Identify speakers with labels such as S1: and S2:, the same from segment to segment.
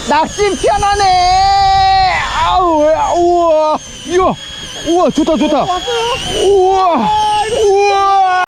S1: 낚시 편하네. 아우, 우와, 이야, 우와, 좋다, 좋다. 우와, 우와.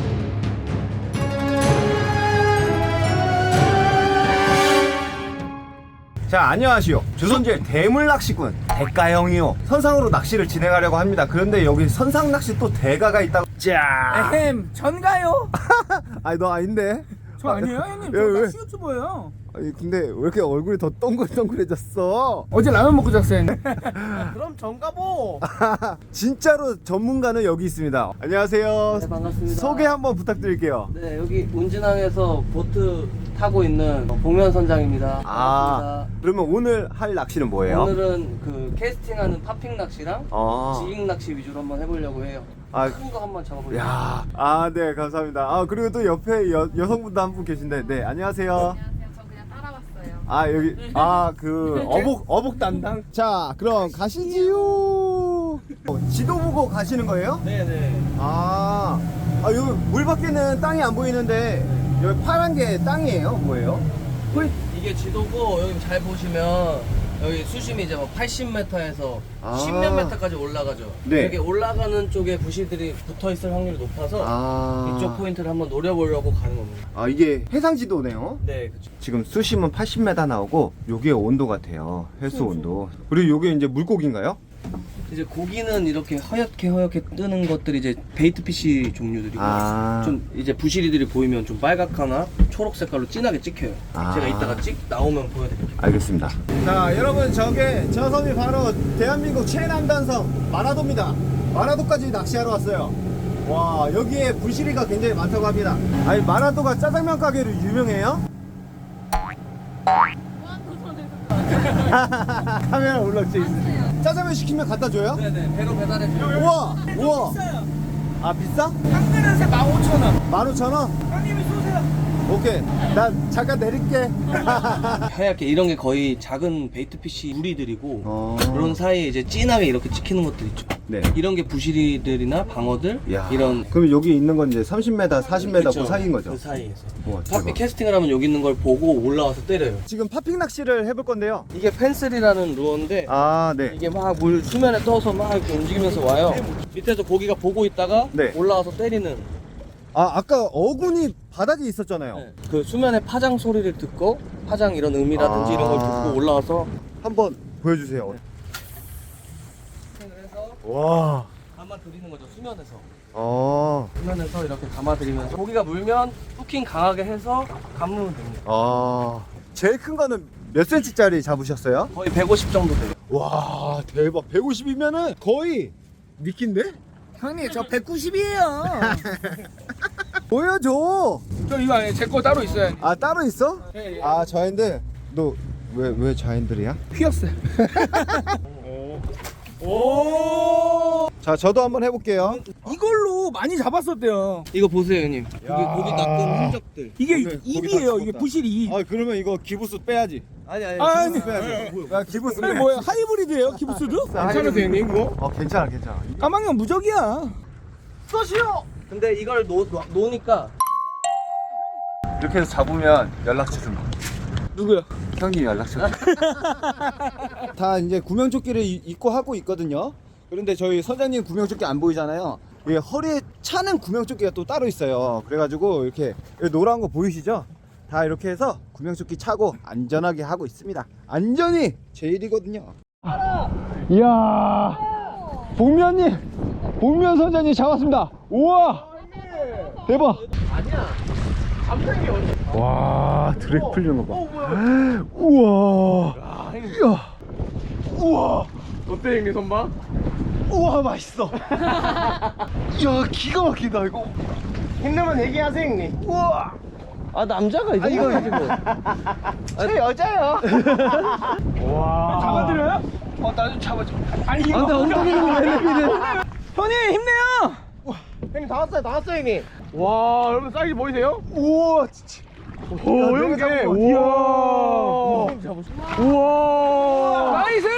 S1: 자, 안녕하시오. 조선제일 대물낚시꾼 대가형이요. 선상으로 낚시를 진행하려고 합니다. 그런데 여기 선상낚시 또 대가가 있다고. 자,
S2: 에헴, 전가요?
S1: 아니 너 아닌데?
S2: 저 아니에요, 형님.
S1: 왜,
S2: 저
S1: 왜?
S2: 낚시 유튜버예요.
S1: 아니 근데 왜 이렇게 얼굴이 더 동글동글해졌어?
S2: 어제 라면 먹고 잤어요.
S3: 그럼 정가보.
S1: 진짜로 전문가는 여기 있습니다. 안녕하세요.
S3: 네, 반갑습니다.
S1: 소개 한번 부탁드릴게요.
S3: 네, 여기 운진항에서 보트 타고 있는 복면 선장입니다.
S1: 아,
S3: 반갑습니다.
S1: 그러면 오늘 할 낚시는 뭐예요?
S3: 오늘은 그 캐스팅하는 파핑 낚시랑
S1: 아.
S3: 지깅 낚시 위주로 한번 해보려고 해요.
S1: 아.
S3: 큰 거 한번 잡아보려고.
S1: 야, 아, 네, 감사합니다. 아, 그리고 또 옆에 여성분도 한 분 계신데, 네, 안녕하세요.
S4: 안녕하세요. 저 그냥 따라왔어요.
S1: 아, 여기, 아, 그, 어복 담당? 자, 그럼 가시지요. 지도 보고 가시는 거예요?
S3: 네네.
S1: 아, 여기 물 밖에는 땅이 안 보이는데, 여기 파란 게 땅이에요? 뭐예요?
S3: 이게 지도고 여기 잘 보시면 여기 수심이 이제 뭐 80m에서
S1: 아.
S3: 10몇 m까지 올라가죠.
S1: 네.
S3: 이렇게 올라가는 쪽에 부시들이 붙어 있을 확률이 높아서
S1: 아,
S3: 이쪽 포인트를 한번 노려보려고 가는 겁니다.
S1: 아, 이게 해상지도네요?
S3: 네, 그렇죠.
S1: 지금 수심은 80m 나오고, 요게 온도 같아요. 해수 온도. 그리고 요게 이제 물고기인가요?
S3: 이제 고기는 이렇게 허옇게 뜨는 것들이 이제 베이트 피시 종류들이고
S1: 아.
S3: 좀 이제 부시리들이 보이면 좀 빨갛거나 초록 색깔로 진하게 찍혀요.
S1: 아.
S3: 제가 이따가 나오면 보여드릴게요.
S1: 알겠습니다. 자, 여러분, 저 섬이 바로 대한민국 최남단섬 마라도입니다. 마라도까지 낚시하러 왔어요. 와, 여기에 부시리가 굉장히 많다고 합니다. 아니, 마라도가 짜장면 가게로 유명해요? 카메라 올라오지 있어요. 짜장면 시키면 갖다 줘요?
S3: 네네, 배로 배달해줘요.
S1: 우와, 우와. 아, 비싸?
S2: 한 그릇에 15,000원.
S1: 15,000원?
S2: 형님이 쏘세요.
S1: 오케이. 나 잠깐 내릴게.
S3: 하얗게 이런 게 거의 작은 베이트 피시 무리들이고
S1: 어.
S3: 그런 사이에 이제 진하게 이렇게 찍히는 것들 있죠.
S1: 네.
S3: 이런 게 부시리들이나 방어들
S1: 야.
S3: 이런
S1: 그럼 여기 있는 건 이제 30m, 40m
S3: 그쵸?
S1: 그 사이인 거죠?
S3: 그 사이에서.
S1: 우와,
S3: 파핑
S1: 대박.
S3: 캐스팅을 하면 여기 있는 걸 보고 올라와서 때려요.
S1: 지금 파핑 낚시를 해볼 건데요.
S3: 이게 펜슬이라는 루어인데
S1: 아, 네.
S3: 이게 막 물 수면에 떠서 막 이렇게 움직이면서 와요. 밑에서 고기가 보고 있다가
S1: 네.
S3: 올라와서 때리는.
S1: 아, 아까 어군이 바닥에 있었잖아요.
S3: 네. 그 수면의 파장 소리를 듣고 파장 이런 음이라든지
S1: 아.
S3: 이런 걸 듣고 올라와서
S1: 한번 보여주세요.
S3: 해서
S1: 와.
S3: 감아드리는 거죠. 수면에서.
S1: 아.
S3: 수면에서 이렇게 감아드리면서 고기가 물면 후킹 강하게 해서 감으면 됩니다.
S1: 아. 제일 큰 거는 몇 cm짜리 잡으셨어요?
S3: 거의 150 정도 돼요.
S1: 와, 대박. 150이면은 거의 미끼인데?
S2: 형님, 저 190이에요.
S1: 보여줘.
S2: 저 이거 아니에요. 제 거 따로 있어요.
S1: 아, 따로 있어?
S2: 예, 예.
S1: 아, 자인들. 너 왜 자인들이야?
S2: 휘었어요.
S1: 자, 저도 한번 해볼게요.
S2: 이걸로 많이 잡았었대요.
S3: 이거 보세요, 형님. 고기 낚은 흔적들.
S2: 이게
S1: 고기
S2: 입이에요.
S1: 다
S2: 이게
S1: 죽었다.
S2: 부실이.
S1: 아, 그러면 이거 기부스 빼야지.
S3: 아니
S2: 아니.
S1: 기부스 빼야지. 야, 기부스
S2: 아니
S1: 빼.
S2: 뭐야? 하이브리드예요? 기부스도?
S1: 괜찮으세요,
S2: 형님 그거?
S1: 괜찮아.
S2: 까망형 무적이야.
S3: 쏘시오! 근데 이걸 놓으니까
S1: 이렇게 해서 잡으면 연락처 좀.
S2: 누구야?
S1: 형님 연락처. 다 이제 구명조끼를 입고 하고 있거든요. 그런데 저희 선장님 구명조끼 안 보이잖아요. 이 허리에 차는 구명조끼가 또 따로 있어요. 그래가지고 이렇게 노란 거 보이시죠? 다 이렇게 해서 구명조끼 차고 안전하게 하고 있습니다. 안전이 제일이거든요. 이야, 복면 선장님 잡았습니다. 우와, 대박. 와, 드랙 풀리는 거 봐. 우와. 이야. 우와.
S2: 어때 형님 선방?
S1: 우와, 맛있어. 야, 기가 막히다 이거.
S2: 힘내면 얘기하세요 형님.
S1: 우와.
S3: 아 남자가 이 정도야지 뭐.
S1: 저 여자요. 와.
S2: 잡아드려요? 나 좀 잡아줘. 아니 이거.
S3: 근데 엉덩이는 왜 내리래?
S2: 형님 힘내요.
S3: 형님 다 왔어요 형님.
S2: 와 여러분 사이즈 보이세요?
S1: 우와, 진짜.
S2: 오
S1: 형님.
S2: 우와. 우와. 나이스.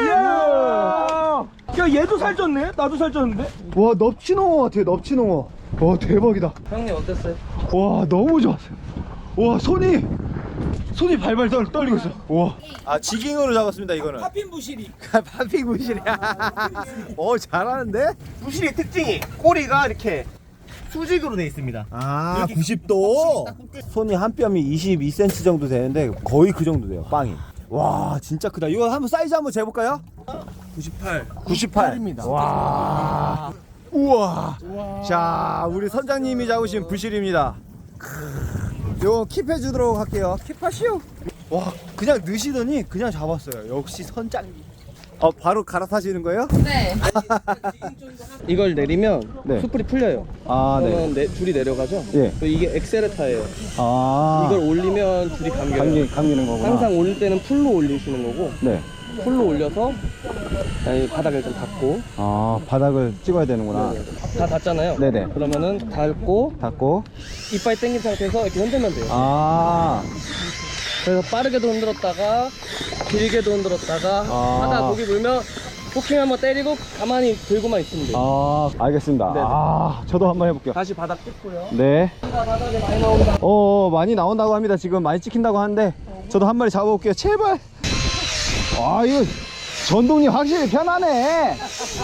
S2: 야 얘도 살쪘네? 나도 살쪘는데?
S1: 와, 넙치농어 같아요, 넙치농어. 와, 대박이다.
S3: 형님 어땠어요?
S1: 와, 너무 좋았어요. 와, 손이 손이 발발 떨리고 있어. 우와. 아, 지깅으로 잡았습니다, 이거는.
S2: 팝핀 부실이.
S1: 파핑 부실이야. 잘하는데?
S2: 부실의 특징이 꼬리가 이렇게 수직으로 돼 있습니다.
S1: 아, 90도. 손이 한 뼘이 22cm 정도 되는데 거의 그 정도 돼요, 빵이. 와, 진짜 크다. 이거 한번 사이즈 한번 재볼까요?
S2: 98.
S1: 98입니다. 와. 우와. 자, 우리 선장님이 잡으신 부실입니다. 요거 킵해 주도록 할게요. 킵하시오. 와, 그냥 넣으시더니 그냥 잡았어요. 역시 선장님. 바로 갈아타시는 거예요?
S4: 네.
S3: 이걸 내리면
S1: 네.
S3: 숯불이 풀려요.
S1: 아, 네.
S3: 그러면 줄이 내려가죠.
S1: 예.
S3: 이게 엑셀레타예요.
S1: 아.
S3: 이걸 올리면 줄이 감겨요.
S1: 감기는 거구나.
S3: 항상 올릴 때는 풀로 올리시는 거고,
S1: 네.
S3: 풀로 올려서 아니, 바닥을 좀 닫고.
S1: 아, 바닥을 찍어야 되는구나.
S3: 다 닫잖아요.
S1: 네네.
S3: 그러면은 닫고
S1: 닫고.
S3: 이빨 당긴 상태에서 이렇게 흔들면 돼요.
S1: 아.
S3: 그래서 빠르게도 흔들었다가 길게도 흔들었다가
S1: 아.
S3: 하다 고기 물면 포킹 한번 때리고 가만히 들고만 있으면 돼요.
S1: 아, 알겠습니다.
S3: 네네.
S1: 아, 저도 한번 해볼게요.
S3: 다시 바닥 뜯고요.
S1: 네.
S3: 바닥에 많이 나온다.
S1: 많이 나온다고 합니다. 지금 많이 찍힌다고 하는데 저도 한 마리 잡아볼게요. 제발. 아, 이거 전동이 확실히 편하네.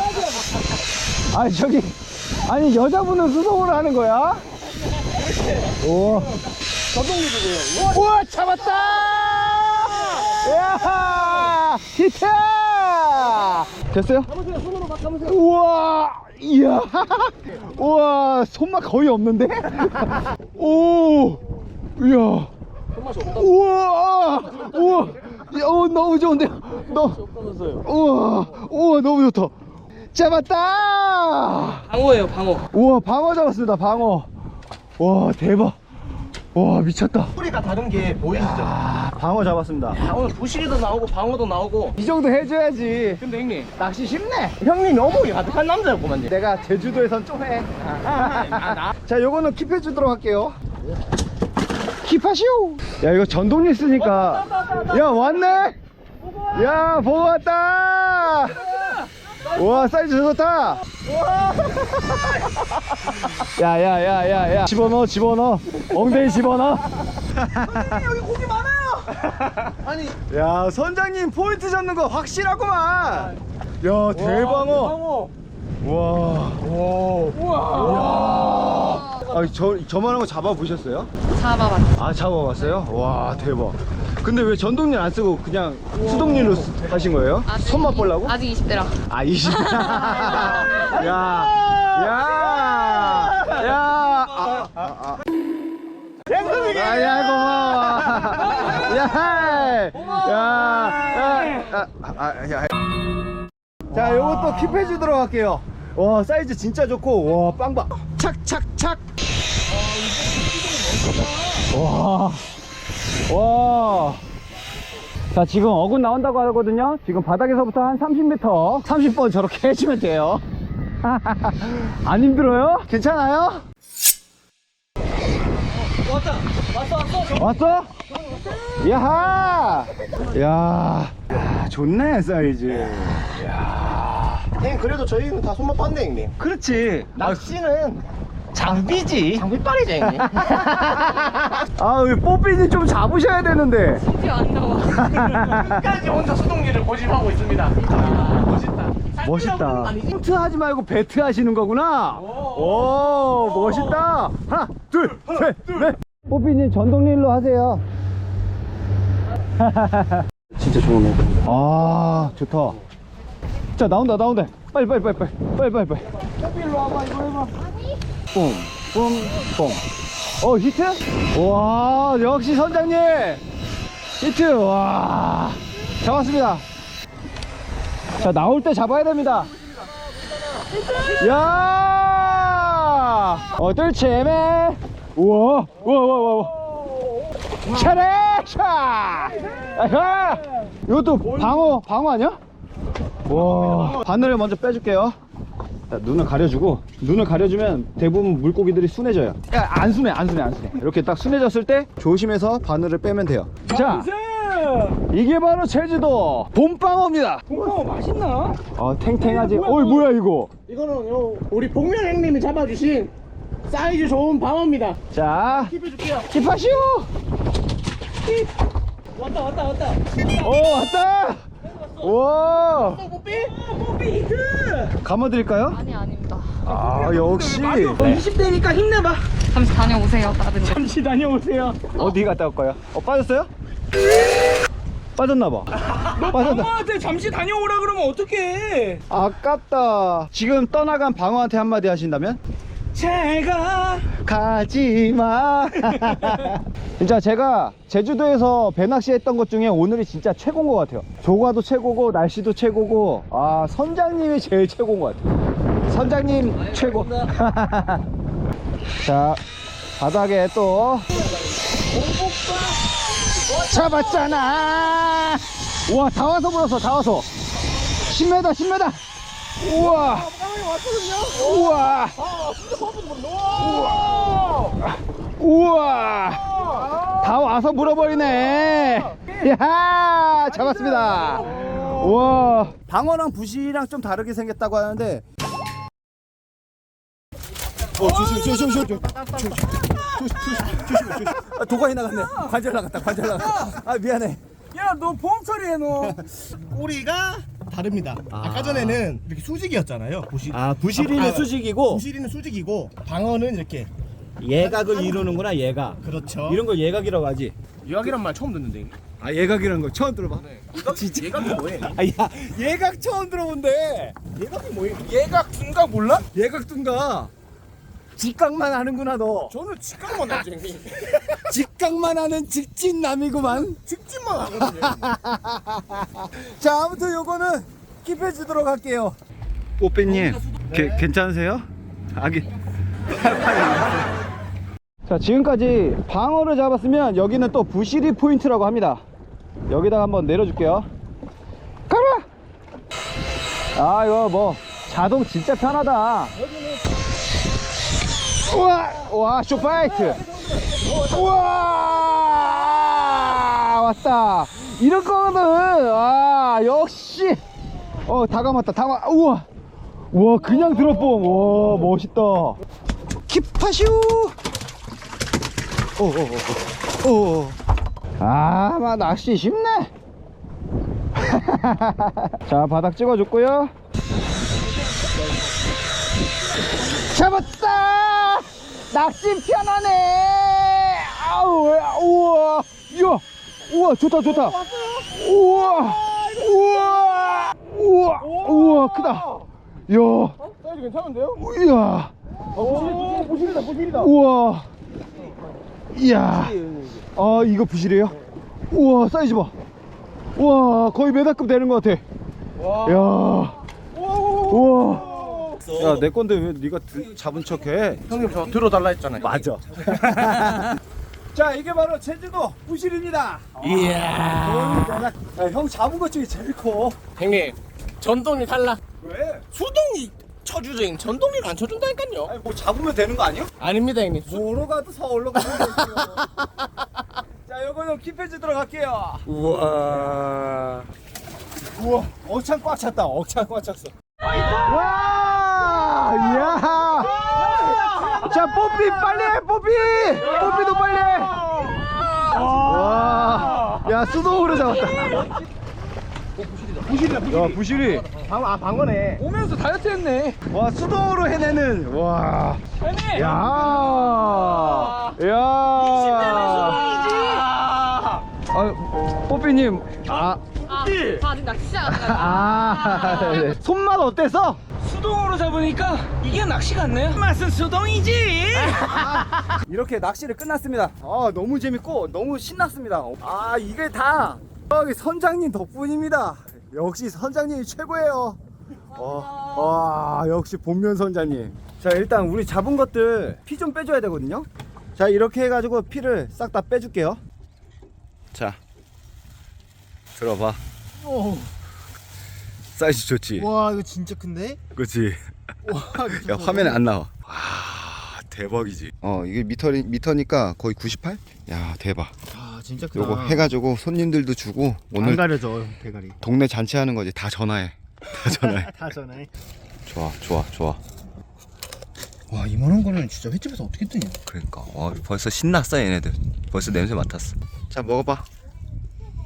S1: 아니 여자분은 수동으로 하는 거야? 오.
S3: 전동기도고요.
S1: 우와, 잡았다. 야, 히트. 됐어요?
S3: 손으로 막 감으세요.
S1: 우와, 이야. 우와, 손맛 거의 없는데? 오, 이야.
S3: 손맛이 없다.
S1: 우와, 우와, 야, 너무 좋은데요?
S3: 없다면서요.
S1: 우와, 너무 좋다. 잡았다.
S3: 방어예요, 방어.
S1: 우와, 방어 잡았습니다, 방어. 와, 대박. 와, 미쳤다.
S2: 꼬리가 다른 게 보이시죠?
S1: 아, 방어 잡았습니다.
S3: 아, 오늘 부실이도 나오고 방어도 나오고.
S1: 이 정도 해줘야지.
S3: 근데 형님,
S1: 낚시 쉽네.
S3: 형님 너무 가득한 남자였구만요.
S1: 내가 제주도에선 좀 해. 자, 요거는 킵해 주도록 할게요. 킵하시오. 야, 이거 전동리 쓰니까. 야, 왔네. 야, 보고 왔다. 와, 사이즈 좋다. 야. 집어넣어. 엉덩이 집어넣어.
S2: 여기 고기 많아요. 아니,
S1: 야, 선장님 포인트 잡는 거 확실하구만. 야, 대방어. 와. 아, 저만한 거 잡아보셨어요?
S4: 잡아봤어.
S1: 아, 잡아봤어요? 와, 대박. 근데 왜 전동릴 안 쓰고 그냥 수동릴로 하신 거예요? 손맛 보려고?
S4: 아직 20대라.
S1: 아, 20. 야. 야, 고마워. 야. 자, 요것도 킵해 주도록 할게요. 와, 사이즈 진짜 좋고, 와, 빵빵. 착. 와. 자, 지금 어군 나온다고 하거든요. 지금 바닥에서부터 한 30m, 30번 저렇게 해주면 돼요. 안 힘들어요? 괜찮아요? 왔어? 야하! 야, 좋네, 사이즈.
S2: 형님 그래도 저희는 다 손맛 봤네 형님.
S1: 그렇지.
S2: 낚시는 장비지. 장비빨이죠 형님.
S1: 아, 우리 뽀삐님 좀 잡으셔야 되는데.
S4: 심지어 안 나와.
S2: 끝까지 혼자 수동기를 고집하고 있습니다.
S1: 멋있다. 포트 하지 말고 배트 하시는 거구나. 오, 멋있다. 하나, 둘, 셋, 넷. 뽀삐님 전동릴로 하세요.
S3: 진짜 좋네.
S1: 아, 좋다. 자, 나온다. 빨리.
S2: 일로 와봐 이거 해봐.
S1: 뽕. 히트? 와, 역시 선장님. 히트. 와, 잡았습니다. 자, 나올 때 잡아야 됩니다. 야, 뜰채매. 우와. 차례차. 아하. 이것도 방어 아니야? 와, 바늘을 먼저 빼줄게요. 자, 눈을 가려주면 대부분 물고기들이 순해져요. 야, 안 순해. 이렇게 딱 순해졌을 때 조심해서 바늘을 빼면 돼요. 자, 이게 바로 제주도 봄방어입니다.
S2: 봄방어 맛있나?
S1: 탱탱하지. 어이, 뭐야 이거.
S2: 이거는 우리 복면 형님이 잡아주신 사이즈 좋은 방어입니다.
S1: 자,
S2: 킵해줄게요.
S1: 킵하시오.
S3: 왔다 왔다 왔다.
S1: 왔다. 와.
S3: 뽀삐 히트.
S1: 감아드릴까요?
S4: 아니 아닙니다.
S1: 역시.
S3: 20대니까 힘내봐.
S4: 잠시 다녀오세요, 다른.
S3: 잠시 다녀오세요.
S1: 어디 갔다 올까요? 빠졌어요? 빠졌나봐. 빠졌다.
S3: 방어한테 잠시 다녀오라 그러면 어떡해.
S1: 아깝다. 지금 떠나간 방어한테 한마디 하신다면?
S3: 제가
S1: 가지마. 진짜 제가 제주도에서 배낚시 했던 것 중에 오늘이 진짜 최고인 것 같아요. 조과도 최고고 날씨도 최고고 선장님이 제일 최고인 것 같아요. 선장님 최고. 자, 바닥에 또 잡았잖아. 우와, 다 와서 불었어. 다 와서 10m 10m. 우와. 우와. 우와. 다 와서 물어버리네. 야, 잡았습니다. 우와. 방어랑 부시랑 좀 다르게 생겼다고 하는데. 조심. 도관이 나갔네. 관절 나갔다. 미안해.
S3: 야, 너 보험 처리해 너.
S2: 꼬리가 다릅니다. 아까 전에는 이렇게 수직이었잖아요.
S1: 부시리는 수직이고
S2: 부시리는 수직이고 방어는 이렇게.
S1: 예각을 이루는구나. 예각.
S2: 그렇죠.
S1: 이런 걸 예각이라고 하지.
S2: 유학이란 말 처음 듣는데.
S1: 예각이라는 거 처음 들어봐.
S2: 진짜 예각이 뭐해?
S1: 야, 예각 처음 들어본대.
S2: 예각이 뭐해? 예각 둔각 몰라?
S1: 예각 둔가. 직각만 하는구나 너.
S2: 저는 직각만 하죠.
S1: 직각만 하는 직진남이구만.
S2: 직진만 하거든요.
S1: 자, 아무튼 요거는 킵해 주도록 할게요. 뽀삐님, 괜찮으세요? 자, 지금까지 방어를 잡았으면 여기는 또 부시리 포인트라고 합니다. 여기다가 한번 내려줄게요. 가라! 이거 뭐 자동 진짜 편하다. 와, 쇼파이트. 우와, 왔다. 이런 거는 역시 다 감았다. 우와, 그냥 들어봄. 와, 멋있다. 킵하슈. 막 낚시 쉽네. 자, 바닥 찍어줬고요. 잡았다. 낚시 편하네. 우와, 좋다. 우와, 크다. 야,
S2: 사이즈 괜찮은데요?
S1: 이야.
S2: 부실이다.
S1: 우와. 이야. 이거 부실이에요? 우와, 사이즈 봐. 우와, 거의 메다급 되는 것 같아. 야. 우와. 야, 내 건데 왜 네가 잡은 척해?
S2: 형님 저 들어달라 했잖아요.
S1: 맞아. 자, 이게 바로 제주도 부실입니다.
S2: 이야.
S1: 형 잡은 것 중에 제일 커.
S2: 형님 전동이 달라.
S1: 왜?
S2: 수동이 쳐주죠. 전동이는 안 쳐준다니까요.
S1: 아니, 뭐 잡으면 되는 거 아니야?
S2: 아닙니다 형님.
S1: 뭐로 가도 서울로 가면 되죠. 자, 요거 좀 킵해주도록 할게요.
S2: 우와.
S1: 억창 꽉 찼다. 억창 꽉 찼어. 와! 이야! 자, 뽀삐 빨리 해, 뽀삐도 빨리 해. 와! 야, 수동으로 잡았다. 야, 부실이.
S2: 방어네.
S3: 오면서 다이어트 했네.
S1: 와, 수동으로 해내는. 와.
S3: 형님.
S1: 야. 뽀삐님.
S4: 아직 낚시 안 하다가.
S1: 네. 손맛 어때서?
S3: 수동으로 잡으니까 이게 낚시 같네요. 맛은 수동이지.
S1: 이렇게 낚시를 끝났습니다. 너무 재밌고 너무 신났습니다. 이게 다 여기 선장님 덕분입니다. 역시 선장님이 최고예요. 역시 본면 선장님. 자, 일단 우리 잡은 것들 피 좀 빼줘야 되거든요. 자, 이렇게 해가지고 피를 싹 다 빼줄게요. 자, 들어봐. 사이즈 좋지?
S2: 와 이거 진짜 큰데?
S1: 그치? 야, 화면에 안 나와. 와, 대박이지. 이게 미터니까 거의 98? 야, 대박.
S2: 진짜 크다.
S1: 요거 해가지고 손님들도 주고 오늘
S2: 안 가려져 대가리.
S1: 동네 잔치하는 거지. 다 전화해.
S2: 다 전에.
S1: 좋아.
S2: 와 이만한 거는 진짜 횟집에서 어떻게 뜨냐?
S1: 그러니까 벌써 신났어 얘네들. 벌써 냄새 맡았어. 자, 먹어봐.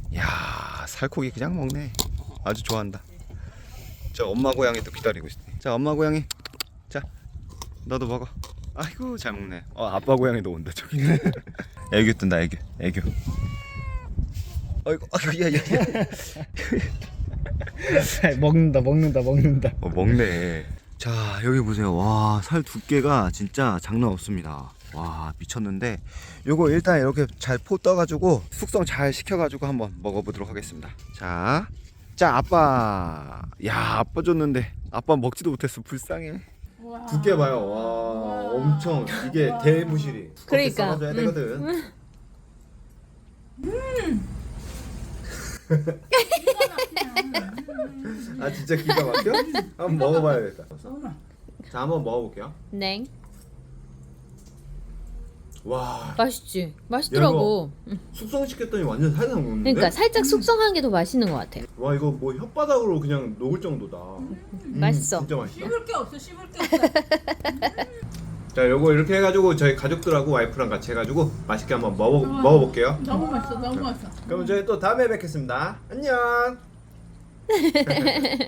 S1: 야, 살코기 그냥 먹네. 아주 좋아한다. 자, 엄마 고양이 또 기다리고 있어. 자, 엄마 고양이. 자, 너도 먹어. 아이고, 잘 먹네. 아빠 고양이도 온다 저기. 애교 뜬다, 애교. 아이고, 야.
S2: 먹는다.
S1: 먹네. 자, 여기 보세요. 와, 살 두께가 진짜 장난 없습니다. 와, 미쳤는데 요거 일단 이렇게 잘 포 떠가지고 숙성 잘 시켜가지고 한번 먹어보도록 하겠습니다. 자, 아빠. 야, 아빠 줬는데 아빠 먹지도 못했어. 불쌍해. 두께 봐요. 와, 엄청 이게 대무실이.
S5: 그러니까.
S1: 썰어줘야 되거든. 아, 진짜 기가 막혀? 한번 먹어봐야겠다. 자, 한번 먹어볼게요.
S5: 네.
S1: 와,
S5: 맛있지? 맛있더라고.
S1: 숙성시켰더니 완전 살살 녹는데?
S5: 그러니까 살짝 숙성한 게 더 맛있는 것 같아.
S1: 와, 이거 뭐 혓바닥으로 그냥 녹을 정도다.
S5: 맛있어.
S1: 진짜 맛있어.
S6: 씹을 게 없어.
S1: 자, 요거 이렇게 해가지고 저희 가족들하고 와이프랑 같이 해가지고 맛있게 한번 먹어볼게요.
S6: 너무 맛있어.
S1: 그럼 저희 또 다음에 뵙겠습니다. 안녕.